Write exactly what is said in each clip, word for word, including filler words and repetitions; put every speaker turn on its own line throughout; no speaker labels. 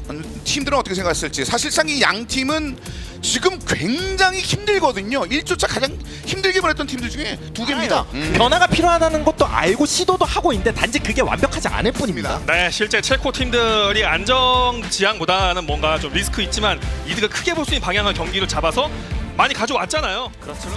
팀들은 어떻게 생각했을지. 사실상 이 양 팀은 지금 굉장히 힘들거든요. 일 주차 가장 힘들게 보냈던 팀들 중에 두 개입니다. 음.
변화가 필요하다는 것도 알고 시도도 하고 있는데 단지 그게 완벽하지 않을 뿐입니다.
네, 실제 체코 팀들이 안정지향보다는 뭔가 좀 리스크 있지만 이득을 크게 볼 수 있는 방향의 경기를 잡아서 많이 가져왔잖아요.
그렇죠.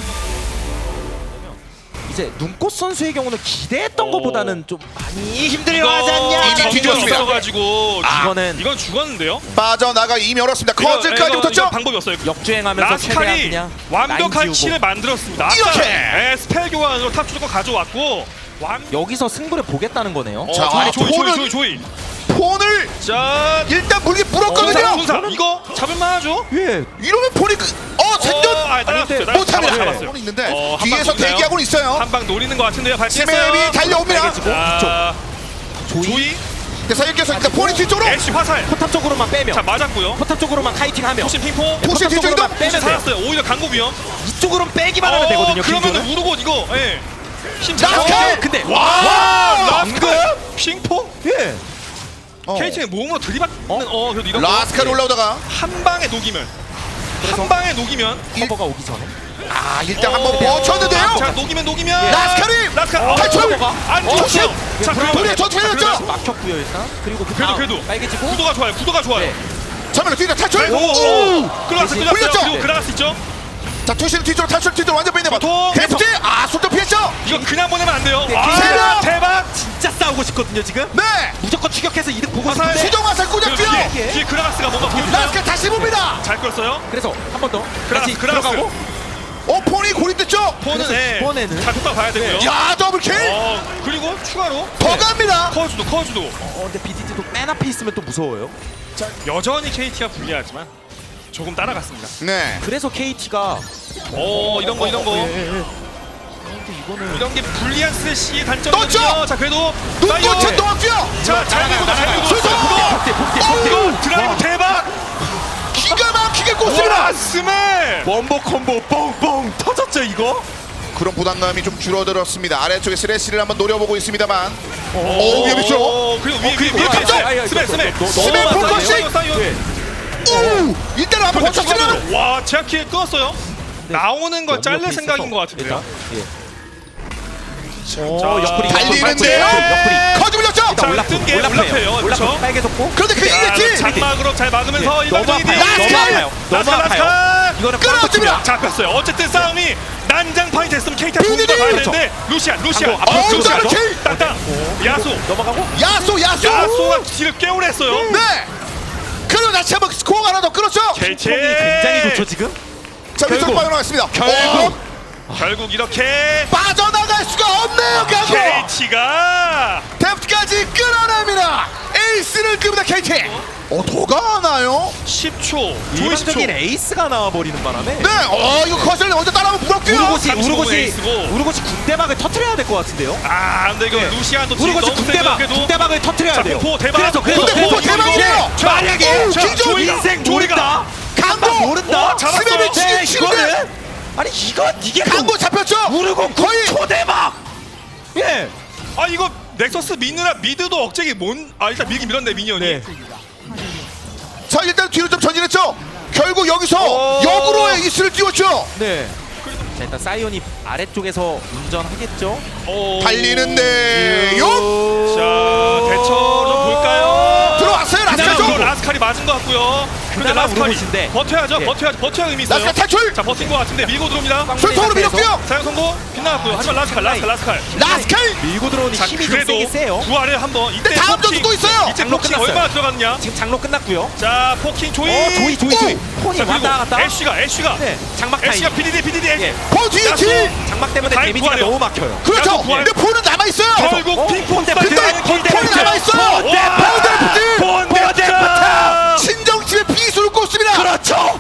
이제 눈꽃 선수의 경우는 기대했던
오.
것보다는 좀 많이
이거
힘들어하지 않냐?
이미 뒤집었습니다.
있어가지고
아,
이거는
이건 죽었는데요.
빠져나가 이미 열었습니다.
이거,
커즈까지
이거,
붙었죠?
이거 방법이 없어요.
역주행하면서 최대한
라스칼이
그냥
완벽한
라인 지우고.
킬을 만들었습니다. 아까,
이렇게!
네, 스펠 교환으로 탑 주도권 가져왔고 완...
여기서 승부를 보겠다는 거네요.
어,
자,
조이,
아,
조이, 조이,
폰은-
조이, 조이.
폰을
자,
일단 물기 물었거든요.
공사, 공사. 이거 잡을만하죠?
예.
이러면 폰이 그, 어 생존
어, 아, 따라갔어요.
아닌데,
못합니다.
잡았어요.
폰이 있는데
어, 한
뒤에서
방 노리나요?
대기하고 있어요.
한 방 노리는 것 같은데요. 발치했어요.
스맵이 달려옵니다.
자,
조이,
조이,
그래서 이겨서 일단 폰이 뒤쪽으로
애쉬 화살.
포탑 쪽으로만 빼면
자, 맞았고요.
포탑 쪽으로만 카이팅하면
포신 핑퐁.
포신
포탑
뒤쪽으로
쪽으로만 빼면 돼요.
살았어요. 오히려 강구 위험.
이쪽으로는 빼기만 하면 되거든요.
그러면
킹조는.
우르고 이거 예. 힘
라스칼!
잘하고.
근데
와,
와,
라스칼 핑퐁?
예.
어.
케이티는 몸으로 들이받는 어, 그래도 이런
라스칼 올라오다가
한 방에 녹이면 한 방에 녹이면
커버가 오기 전에
아 일단 한번
어,
멈췄는데요.
자, 녹이면 녹이면
라스칼이
라스칼
어,
탈출!
커버가.
안
어,
죽었어요.
조심!
자,
불에
그러면
전투해졌죠.
막혔고요 일단. 그리고 그
그래도
다음
그래도
빨개지고
구도가 좋아요. 구도가 좋아요.
네.
잠깐만요. 뒤에 탈출.
오,
오.
끌어갔어,
대신
끌어갔어요.
올렸죠?
그리고 그라가스 있죠?
자 투시는 뒤쪽으로 탈출 뒤쪽으로 완전 빼내봐.
보통
데프트 아 손도 피했죠.
이거 그냥 보내면 안 돼요.
네,
아,
세명!
대박!
진짜 싸우고 싶거든요 지금.
네.
무조건 추격해서 이득 보고
화살.
싶은데.
수정 화살
그리고
꽂았고요.
뒤에, 뒤에 그라가스가 뭔가 보여주나요?
라스칼 다시 봅니다.
잘 끌었어요.
그래서 한 번 더
그라가스,
다시
그라가스.
들어가고.
어 폰이 고립됐죠.
폰은
그래서
예,
이번에는
잘 톡박 봐야 되고요.
야 더블킬.
어, 그리고 추가로
더 갑니다.
커즈도 커즈도
어 근데 비디티도 맨 앞에 있으면 또 무서워요.
여전히 케이티가 불리하지만 조금 따라갔습니다.
네.
그래서 케이티가
오, 이런 거 이런 거
예, 예, 예. 근데 이거는
이런 게 불리한 스레시의 단점이거든요.
떴죠?
자, 그래도
눈꽃에 또 왔고요.
자, 잘 밀고 잘 밀고
수소!
폭대 폭대 폭대.
이거 드라이브 대박!
기가 막히게 꽂습니다.
와, 스멜!
원버 콤보 뻥뻥 터졌죠 이거?
그런 부담감이 좀 줄어들었습니다. 아래쪽에 스레시를 한번 노려보고 있습니다만.
오,
오, 위험했죠?
오, 그리고 위에 위에
그리고
위에
탑쪽!
위에 스멜 스멜
스멜 폴커싱!
사이온 사이온
네.
오! 일단 한번 버텼으면
추가로 와, 제가 킬 끊었어요. 나오는 걸 잘릴
옆에
생각인
있어서
것 같은데요.
일단, 예.
자,
오, 옆구리
달리는데요.
옆구리.
커즈 물렸죠.
자,
올라프
뜬 게
올라프예요.
올라프예요.
올라프
그렇죠?
빨개졌고.
그런데 그
자,
이겼지.
장막으로 잘 막으면서
예, 너무
일반적인
아파요. 너무
라스칼!
아파요. 너무
라스칼,
아파요.
라스칼!
이거는
끊어집니다.
잡혔어요. 어쨌든 싸움이 난장판이 됐으면 케이티가 좋은 걸
비디디!
봐야
그렇죠.
되는데 루시안, 루시안,
방금 앞으로
루시안,
들어가죠? 더블킬!
땅땅, 야수,
넘어가고.
야쏘 야쏘.
야수가 뒤를 깨우랬어요.
네. 그리고 다시 한번 스코어 하나 더 끌었죠.
케이티
폼이 굉장히 좋죠 지금.
자 위쪽
결국.
빠져나갔습니다.
결국
어,
결국 이렇게
빠져나갈 수가 없네요. 강구.
케이티가
데프트까지 끌어냅니다. 에이스를 끕니다 케이티. 어, 더 가나요?
십 초, 조이 십 초.
일반적인 에이스가 나와버리는 바람에.
네, 어, 이거 커슬 먼저 따라하면 무겁고요.
우르고시
삼십오
우르고시
에이스고.
우르고시 군대박을 터트려야 될 것 같은데요.
아, 근데 이거
네.
루시안도 지금
우르고시
너무
군대박
세게
군대박을 터트려야
자,
돼요.
공포 대박.
그래서 그래서
근데 공포
그래서
대박이에요.
이거 만약에
오,
저
김종우
인생
조이가.
모른다.
강도
모른다.
어, 잡았어요.
스맵이
네,
지금
이거는
치는데
아니 이건 이게
강도 잡혔죠.
우르고
거의
초대박. 예.
아, 이거 넥서스 미느라 미드도 억제기 뭔? 아, 일단 밀긴 밀었네 미니언이.
네.
자 일단 뒤로 좀 전진했죠. 결국 여기서
오.
역으로의 이스를 띄웠죠.
네. 자 일단 사이온이 아래쪽에서 운전하겠죠.
오.
달리는데요.
자, 대처 좀 볼까요?
들어왔어요.
그냥
라스칼
이거
쪽.
라스칼이 맞은 것 같고요. 근데
그나마
라스칼이
우르고시인데.
버텨야죠.
예.
버텨야죠. 버텨야 의미 있어요.
라스칼 탈출.
자, 버틴 것 같은데 밀고 들어옵니다.
술통으로 밀었고요.
사용 성공. 빗나갔고요. 하지만 라스칼, 라스칼, 라스칼.
라스칼.
밀고 들어오니
자,
힘이 좀
그래도
세게 세요.
부활을 한번. 이때
근데 다음
포킹,
점수 또 있어요.
이때
장로
포킹
끝났어요.
얼마나 들어갔느냐?
지금 장로 끝났고요.
자, 포킹 조이.
어 조이 조이 조이. 폰이
자,
왔다 갔다.
그리고 애쉬가 애쉬가
네. 장막 타임.
애쉬가 비디디 비디디.
예.
폰 뒤에
야수.
킬.
장막 때문에
다행
데미지가
부활해요.
너무 막혀요.
그렇죠.
야수 부활.
근데 폰은 남아 있어요.
결국
어?
핑퐁
근데
스타트.
근데 폰이 남아 있어요.
와. 본데프트.
친정집에 비수를 꽂습니다.
그렇죠.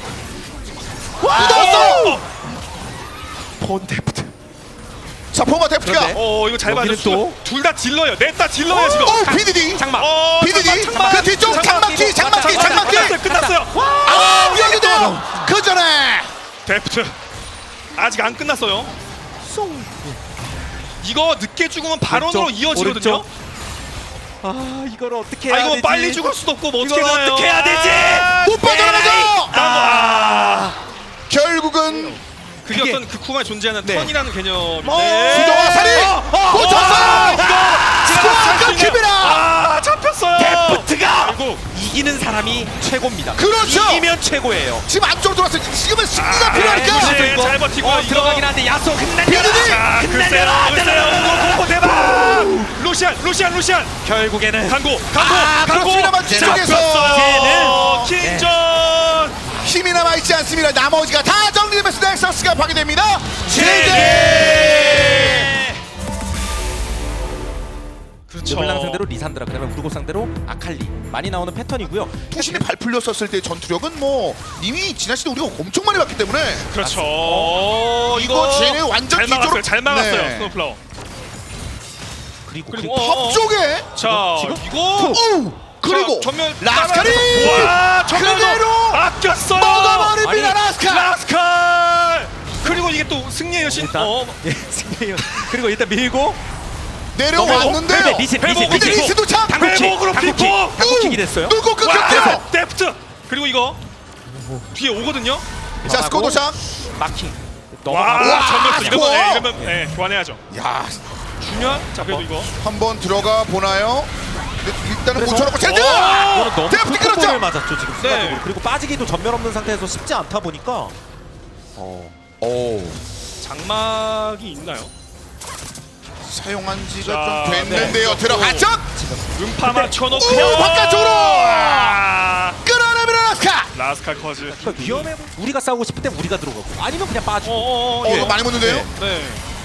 묻었어.
폰데프트.
자 포마 데프트가.
그런데?
어, 이거 잘
여기는
맞았어.
또?
둘다 질러요. 넷다 질러요 지금.
오 비디디.
장막.
어,
비디디.
장막,
그 뒤쪽 장막 뒤 장막 뒤 장막 뒤.
끝났어요. 끝났어요.
아 여기도 그 전에
데프트 아직 안 끝났어요.
송.
이거 늦게 죽으면 발언으로
오른쪽,
이어지거든요.
오른쪽. 아 이걸 어떻게 해야
아 이거
되지?
빨리 죽을 수도 없고 뭐 어떻게
이걸
해나요?
어떻게 해야 되지?
못 빠져나가죠.
아,
결국은
그게
그게-
어떤 그 쿠마에 존재하는
네.
턴이라는 개념인데.
어,
수정화 살이 놓쳤어요. 스코어가 끊깁니다.
아 잡혔어요.
데프트가
아이고.
이기는 사람이 최고입니다.
그렇죠.
이기면 최고예요.
지금 안쪽으로 들어왔어요. 지금은 승리가
아,
필요하니까.
네, 네, 잘 버티고
어,
이거.
들어가긴 한데 야소 흩날려라.
비디디!
자, 글쎄요,
흩날려라.
글쎄요.
흩날려라. 오, 대박.
루시안, 루시안, 루시안.
결국에는
강고, 강고,
아,
강고.
그렇습니다만 뒤쪽에서
잡혔어요.
쟤는-
킹전.
힘이 남아있지 않습니다. 나머지가 다 정리되면서 넥서스가 파괴됩니다. 제제.
그렇죠.
르블랑 상대로 리산드라, 그다음에 우르고 상대로 아칼리 많이 나오는 패턴이고요.
투신이 발 풀렸었을 때 전투력은 뭐 이미 지난 시즌 우리가 엄청 많이 봤기 때문에
그렇죠. 어,
이거 쟤네 완전
잘 막았어요.
뒤쪽으로-
잘 막았어요.
네.
스노플라워.
그리고
그리고
그-
어,
top 쪽에
자,
지금?
이거
오 그리고
자, 전면
라스카리
와, 전면으로
그대로
아꼈어요.
먹어버립니다.
아니,
라스카.
라스칼. 그리고 이게 또 승리의 여신.
일단
어,
예, 승리해요. 그리고 일단 밀고
내려왔는데요.
벨벳, 리셋,
회복,
리셋,
근데
리셋.
리스 도착.
당국킥,
회복으로
당국킥,
피고!
당국킥이 됐어요.
누구
와,
끊겼대요.
데프트. 그리고 이거 뒤에 오거든요.
자 스코 도착.
마킹.
와,
와,
전면 이러면
스코어.
네, 이러면 네, 교환해야죠.
야
중요한. 자, 그래도 이거.
한번 들어가 보나요? 근데 일단은
그래서-
못 쳐놓고 제드.
이거는 너무
데프트
큰
끌었죠.
공을 맞았죠 지금 순간적으로.
네.
그리고 빠지기도 전멸 없는 상태에서 쉽지 않다 보니까. 어.
오
장막이 있나요?
사용한 지가
자,
좀 됐는데요.
네.
들어갔죠.
음파 맞춰놓고
오, 바깥쪽으로!
아,
끌어내면 라스카.
라스칼 커즈.
그러니까 위험해. 우리가 싸우고 싶을 때 우리가 들어가고 아니면 그냥 빠지고.
어어어.
어 이거 많이 묻는데요.
네.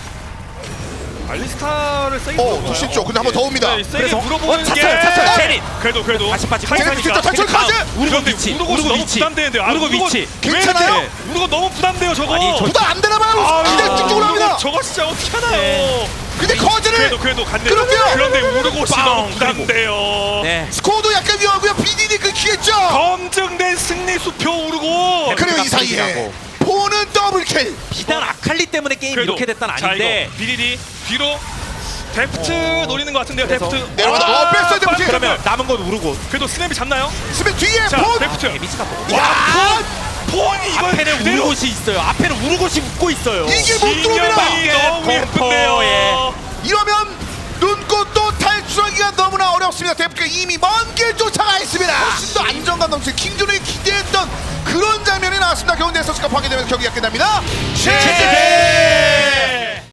알리스타를 세게
어,
물어보나요?
더 쉽죠. 근데 한번 더 옵니다.
네, 세게
그래서
물어보는
어, 찼어요, 찼어요. 제린.
그래도 그래도
다시 빠지고.
카이사니까.
제린 진짜 탈출 카즈.
우르고
그런데
위치.
우르고
우르고
너무
위치.
부담되는데요. 아,
우르고
우르고
위치.
왜
괜찮아요?
이렇게? 우르고 너무 부담돼요 저거.
아니, 저-
부담 안 되나 봐요.
아,
이제 쭉쭉 합니다.
우르고 저거 진짜 어떻게 하나요?
네.
근데 커즈를
그래도 그래도 갔네요.
그런데요.
그런데 우르고시
빵!
너무 부담돼요.
네.
스코어도 약간 위험하고요. 비디디 끊기겠죠.
검증된 승리 수표 우르고.
그리고 이 사이에
깜짝이라고.
포는 더블킬.
비단 아칼리 때문에 게임
그래도.
이렇게 됐단
자,
아닌데.
이거 비리디 뒤로 데프트 노리는 것 같은데요.
그래서
데프트
내려가다 어, 뺐어요, 데프트.
그러면 남은 건 우르고.
그래도 스냅이 잡나요?
스맨 뒤에
자,
폰.
데프트.
데미지가 뭐.
와,
야,
폰이 이걸
앞에는
그대로
우르고시 있어요. 앞에는 우르고시 웃고 있어요.
이게 못 들어옵니다.
진영이 너무
공포에.
예쁜데요.
이러면 눈꽃도 탈출하기가 너무나 어렵습니다. 데프트가 이미 먼 길 쫓아가 있습니다. 훨씬 더 안정감 넘치는 킹존이 기대했던 그런 장면이 나왔습니다. 겨우 넥서스가 파괴되면서 경기가 끝납니다. 제제.